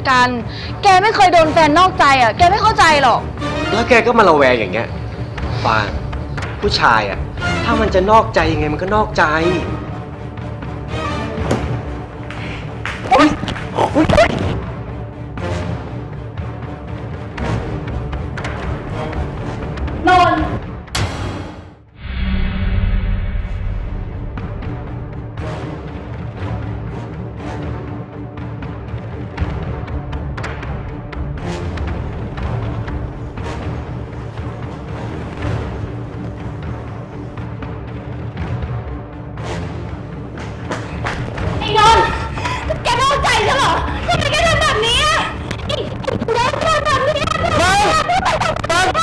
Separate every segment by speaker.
Speaker 1: กันแกไม่เคยโดนแฟนนอกใจอ่ะแกไม่เข้าใจหรอก
Speaker 2: แล้วแกก็มาระแวงอย่างเงี้ยฟางผู้ชายอ่ะถ้ามันจะนอกใจยังไงมันก็นอกใจ
Speaker 1: นนไอ้นนท์แกนอกใจฉันเหรอทำไมแกทำแบบนี้อ่ะไอ้นนท์ทำแบบนี้อ่ะฟัง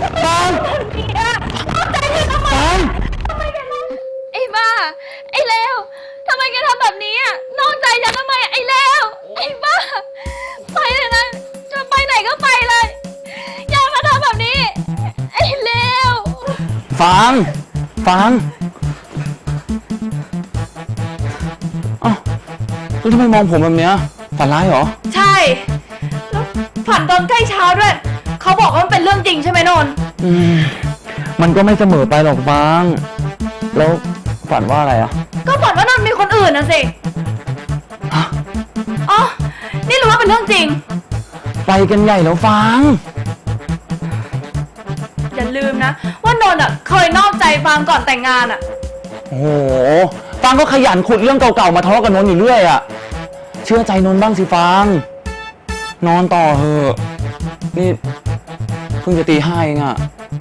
Speaker 1: นอกใจฉันทำไมทำไมแกนอกไอ้บ้าไอ้เลวทำไมแกทำแบบนี้อ่ะนอกใจฉันทำไมไอ้เลวไอ้บ้าไปเลยนะจะไปไหนก็ไปเลยอย่ามาทำแบบนี้ไอ้เลว
Speaker 3: ฟังอ้าวแล้วทำไมมองผมแบบเนี้ยฝันร้ายเหรอ
Speaker 1: ใช่แล้วฝันตอนใกล้เช้าด้วยเขาบอกว่ามันเป็นเรื่องจริงใช่ไหมนนท์
Speaker 3: มันก็ไม่เสมอไปหรอกฟังแล้วฝันว่าอะไรอ่ะ
Speaker 1: ก็ฝันว่านนท์มีคนอื่นนะสิอ๋อนี่รู้ว่าเป็นเรื่องจริง
Speaker 3: ไปกันใหญ่แล้วฟัง
Speaker 1: อย่าลืมนะว่านนท์อ่ะเคยนอกใจฟางก่อนแต่งงานอ่ะ
Speaker 3: โอ้โหฟังก็ขยันขุดเรื่องเก่าๆมาทะเลาะกับนนท์อยู่เรื่อยอ่ะเชื่อใจนนท์บ้างสิฟังนอนต่อเถอะนี่เพิ่งจะตี 5เองอ่ะ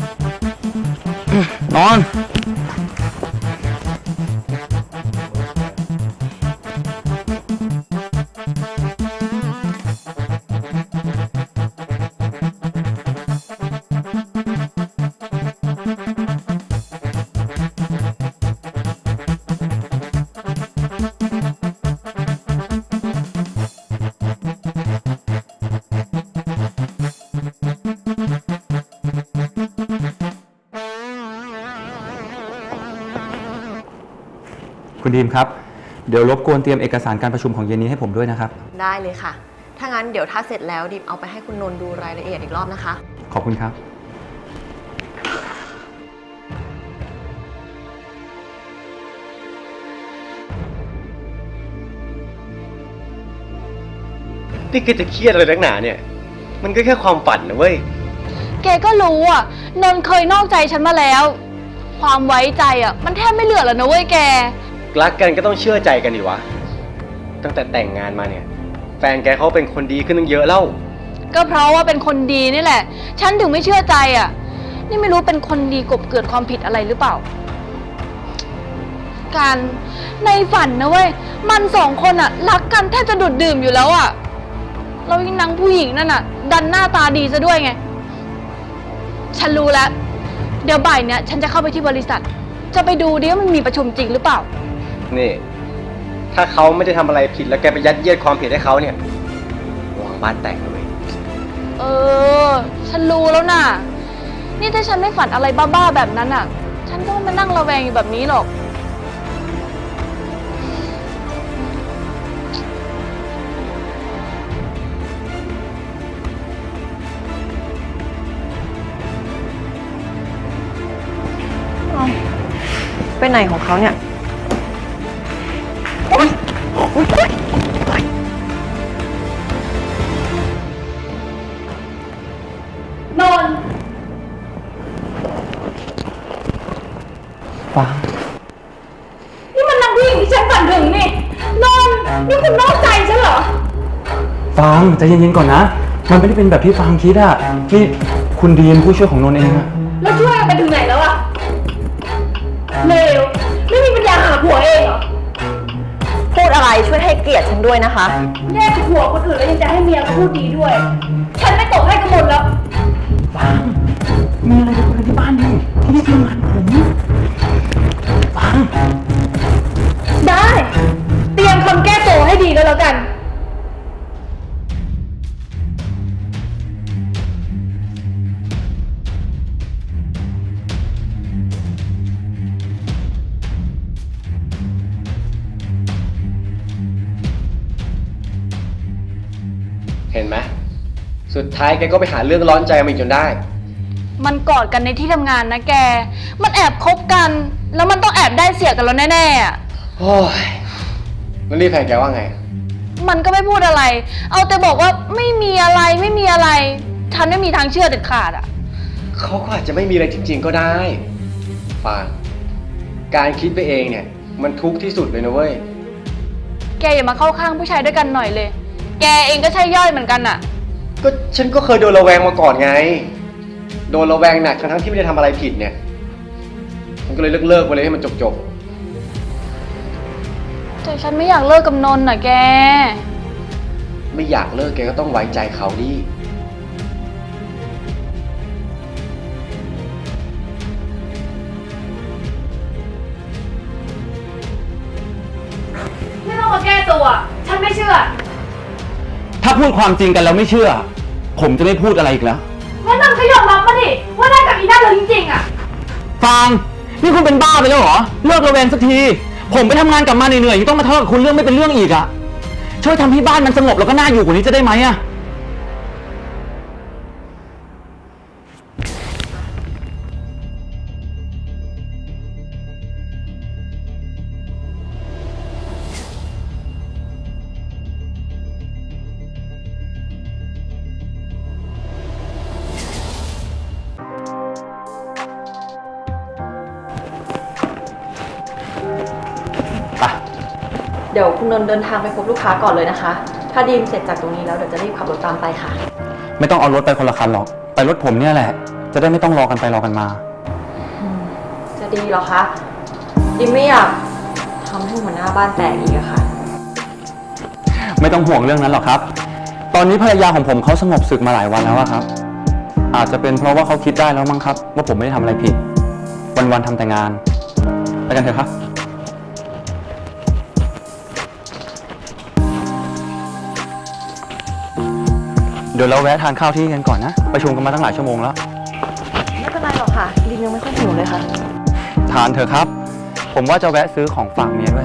Speaker 3: นอนคุณดีมครับเดี๋ยวรบกวนเตรียมเอกสารการประชุมของเย็นนี้ให้ผมด้วยนะครับ
Speaker 4: ได้เลยค่ะถ้างั้นเดี๋ยวถ้าเสร็จแล้วดิมเอาไปให้คุณนนท์ดูรายละเอียดอีกรอบนะคะ
Speaker 3: ขอบคุณครับ
Speaker 2: นี่แกจะเครียดอะไรนักหนาเนี่ยมันก็แค่ความฝันนะเว้ย
Speaker 1: แกก็รู้อ่ะนนท์เคยนอกใจฉันมาแล้วความไว้ใจอ่ะมันแทบไม่เหลือแล้วนะเว้ยแก
Speaker 2: รักกันก็ต้องเชื่อใจกันดิวะตั้งแต่แต่งงานมาเนี่ยแฟนแกเขาเป็นคนดีขึ้นตั้งเยอะแล้ว
Speaker 1: ก็เพราะว่าเป็นคนดีนี่แหละฉันถึงไม่เชื่อใจอ่ะนี่ไม่รู้เป็นคนดีกบเกิดความผิดอะไรหรือเปล่าการในฝันนะเว้ยมันสองคนอ่ะรักกันแทบจะดูดดื่มอยู่แล้วอ่ะแล้วยิ่งนางผู้หญิงนั่นอ่ะดันหน้าตาดีซะด้วยไงฉันรู้แล้วเดี๋ยวบ่ายเนี้ยฉันจะเข้าไปที่บริษัทจะไปดูดิว่ามันมีประชุมจริงหรือเปล่า
Speaker 2: นี่ถ้าเขาไม่ได้ทำอะไรผิดแล้วแกไปยัดเยียดความผิดให้เขาเนี่ยวางบ้านแตกเลย
Speaker 1: ฉันรู้แล้วน่ะนี่ถ้าฉันไม่ฝันอะไรบ้าๆแบบนั้นอ่ะฉันก็มานั่งระแวงอยู่แบบนี้หรอก
Speaker 4: ไปไหนของเขาเนี่ย
Speaker 1: นนท์
Speaker 3: ฟัง
Speaker 1: นี่มันนางผู้หญิงที่ฉันฝันถึงนี่นนท์นี่คุณนอกใจฉันเหรอ
Speaker 3: ฟังใจเย็นๆก่อนนะมันไม่ได้เป็นแบบที่ฟังคิดอะนี่คุณดีมผู้ช่วยของนนท์เองอะ
Speaker 1: แล้วช่วยไปถึงไหนแล้วอะเลวไม่มีปัญญาหาผัวเองเหรอ
Speaker 4: พูดอะไรช่วยให้เกียรติฉันด้วยนะคะ
Speaker 1: แย่ผัวคนอื่นแล้วยังจะให้เมียพูดดีด้วยฉันไม่ตกให้กันหมดแล้ว
Speaker 3: ฟังมีอะไรจะคุยกันที่บ้านดิที่นี่ทำงานผมฟัง
Speaker 1: ได้เตรียมคำแก้ตัวให้ดีก็แล้วกัน
Speaker 2: เห็นไหมสุดท้ายแกก็ไปหาเรื่องร้อนใจมันอีกจนได้
Speaker 1: มันกอดกันในที่ทำงานนะแก มันแอบคบกัน แล้วมันต้องแอบได้เสียกันแล้วแน่ๆอะ
Speaker 2: โอ้ยแล้วนี่แฟนแกว่าไง
Speaker 1: มันก็ไม่พูดอะไร เอาแต่บอกว่าไม่มีอะไรไม่มีอะไร ฉันไม่มีทางเชื่อเด็ดขาดอะ
Speaker 2: เขาก็อาจจะไม่มีอะไรจริงๆก็ได้ฟางการคิดไปเองเนี่ย มันทุกข์ที่สุดเลยนะเว้ย
Speaker 1: แกอย่ามาเข้าข้างผู้ชายด้วยกันหน่อยเลย แกเองก็ใช่ย่อยเหมือนกันอะ
Speaker 2: ก็ฉันก็เคยโดนระแวงมาก่อนไง โดนระแวงหนักทั้งๆที่ไม่ได้ทำอะไรผิดเนี่ยฉันก็เลยเลิกไปเลยให้มันจบ
Speaker 1: แต่ฉันไม่อยากเลิกกับนนท์น่ะแก
Speaker 2: ๆไม่อยากเลิกแกก็ต้องไว้ใจเขาดิ
Speaker 1: ไม่ต้องมาแก้ตัว ฉันไม่เชื่อ
Speaker 3: ถ้าพูดความจริงกันแล้วไม่เชื่อ ผมจะไม่พูดอะไรอีกแล้ว
Speaker 1: งั้นนนท์ก็ยอมรับมาดิ ว่าได้กับอีนั่นเลยจริงๆอะ
Speaker 3: ฟาง นี่คุณเป็นบ้าไปแล้วเหรอ เลิกระแวงสักที ผมไปทำงานกลับมาเหนื่อยๆยังต้องมาทะเลาะกับคุณเรื่องไม่เป็นเรื่องอีกอะช่วยทำให้บ้านมันสงบแล้วก็น่าอยู่กว่านี้จะได้ไหมอะ ไป
Speaker 4: เดี๋ยวคุณนนท์เดินทางไปพบลูกค้าก่อนเลยนะคะ ถ้าดีมเสร็จจากตรงนี้แล้วเดี๋ยวจะรีบขับรถตามไปค่ะ
Speaker 3: ไม่ต้องเอารถไปคนละคันหรอก ไปรถผมเนี่ยแหละ จะได้ไม่ต้องรอกันไปรอกันมา
Speaker 4: จะดีเหรอคะดีมไม่อยากทำให้หัวหน้าบ้านแตกอีกอะค่ะ
Speaker 3: ไม่ต้องห่วงเรื่องนั้นหรอกครับ ตอนนี้ภรรยาของผมเขาสงบศึกมาหลายวันแล้วอะครับ อาจจะเป็นเพราะว่าเขาคิดได้แล้วมั้งครับ ว่าผมไม่ได้ทำอะไรผิด วันๆทำแต่งาน ไปกันเถอะครับ เดี๋ยวเราแวะทานข้าวที่นี่กันก่อนนะ ประชุมกันมาตั้งหลายชั่วโมงแล้ว
Speaker 4: ไม่เป็นไรหรอกค่ะดีมยังไม่ค่อยหิวเลยค่ะ
Speaker 3: ทานเถอะครับ ผมว่าจะแวะซื้อของฝากเมียด้วย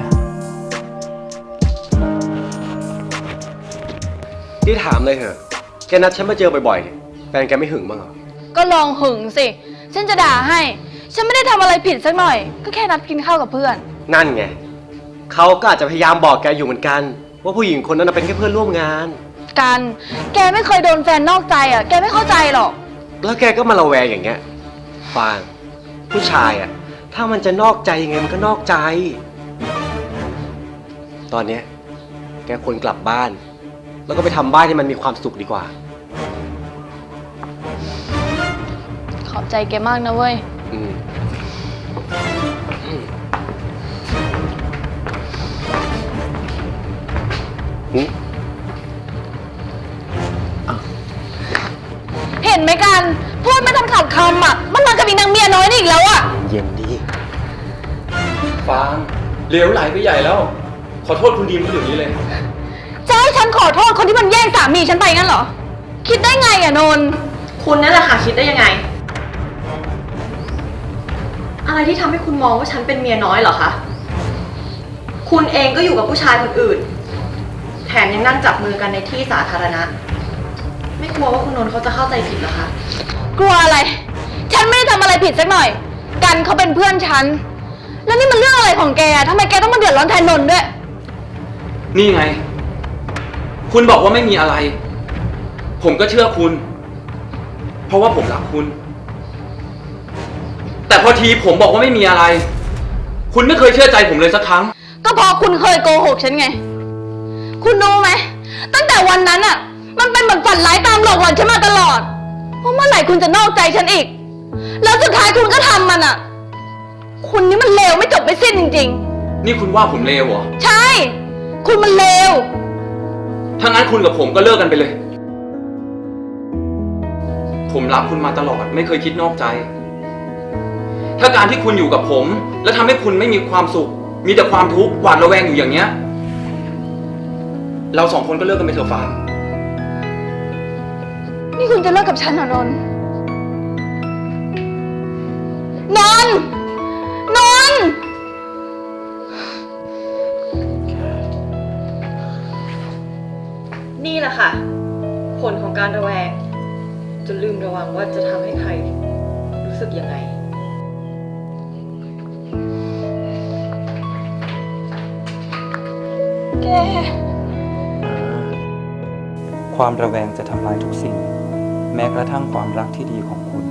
Speaker 2: ที่ถามเลยเถอะ แกนัดฉันมาเจอบ่อยๆเนี่ยแฟนแกไม่หึงบ้างเหรอ
Speaker 1: ก็ลองหึงสิ ฉันจะด่าให้ ฉันไม่ได้ทำอะไรผิดสักหน่อย ก็แค่นัดกินข้าวกับเพื่อน
Speaker 2: นั่นไง เขาก็อาจจะพยายามบอกแกอยู่เหมือนกัน ว่าผู้หญิงคนนั้นนะเป็นแค่เพื่อนร่วมงาน
Speaker 1: กัน แกไม่เคยโดนแฟนนอกใจอ่ะ แกไม่เข้าใจหรอก
Speaker 2: แล้วแกก็มาระแวงอย่างเงี้ย ฟาง ผู้ชายอ่ะ ถ้ามันจะนอกใจยังไงมันก็นอกใจ ตอนเนี้ยแกควรกลับบ้าน แล้วก็ไปทำบ้านที่มันมีความสุขดีกว่า
Speaker 1: ขอบใจแกมากนะเว้ย
Speaker 2: อืม
Speaker 1: เห็นไหมกัน พูดไม่ทันขาดคำอ่ะ มันมากับอีนางเมียน้อยนี่อีกแล้วอ่ะ
Speaker 2: เย็นดี
Speaker 3: ฟางเหลวไหลไปใหญ่แล้ว ขอโทษคุณดีมเขาเดี๋ยวนี้เลย
Speaker 1: จะให้ฉันขอโทษคนที่มันแย่งสามีฉันไปงั้นเหรอ คิดได้ไงอ่ะนนท์
Speaker 4: คุณนั่นแหละค่ะคิดได้ยังไง อะไรที่ทำให้คุณมองว่าฉันเป็นเมียน้อยเหรอคะ คุณเองก็อยู่กับผู้ชายคนอื่น แถมยังนั่งจับมือกันในที่สาธารณะ ไม่กลัวว่าคุณนนท์เขาจะเข้าใจผิดเหรอคะ
Speaker 1: กลัวอะไร ฉันไม่ได้ทำอะไรผิดสักหน่อย กันเขาเป็นเพื่อนฉัน แล้วนี่มันเรื่องอะไรของแกทำไมแกต้องมาเดือดร้อนแทนนนท์ด้วย
Speaker 3: นี่ไง คุณบอกว่าไม่มีอะไร ผมก็เชื่อคุณ เพราะว่าผมรักคุณ แต่พอทีผมบอกว่าไม่มีอะไร คุณไม่เคยเชื่อใจผมเลยสักครั้ง
Speaker 1: ก็เพราะคุณเคยโกหกฉันไง คุณรู้ไหม ตั้งแต่วันนั้นอ่ะ มันเป็นเหมือนฝันร้ายตามหลอกหลอนฉันมาตลอดว่าเมื่อไหร่คุณจะนอกใจฉันอีก แล้วสุดท้ายคุณก็ทำมันอ่ะ คุณนี่มันเลวไม่จบไม่สิ้นจริง
Speaker 3: นี่คุณว่าผมเลวเหรอ
Speaker 1: ๆ ใช่ คุณมันเลว
Speaker 3: ถ้างั้นคุณกับผมก็เลิกกันไปเลย ผมรักคุณมาตลอดไม่เคยคิดนอกใจ ถ้าการที่คุณอยู่กับผม แล้วทำให้คุณไม่มีความสุข มีแต่ความทุกข์หวาดระแวงอยู่อย่างเงี้ย เราสองคนก็เลิกกันไปเถอะฟาง
Speaker 1: นี่คุณจะเลิกกับฉันเหรอนนท์นนท์นนท์
Speaker 4: นี่แหละค่ะผลของการระแวงจนลืมระวังว่าจะทำให้ใครรู้สึกยังไง
Speaker 1: แก
Speaker 5: ความระแวงจะทำลายทุกสิ่ง แม้กระทั่งความรักที่ดีของคุณ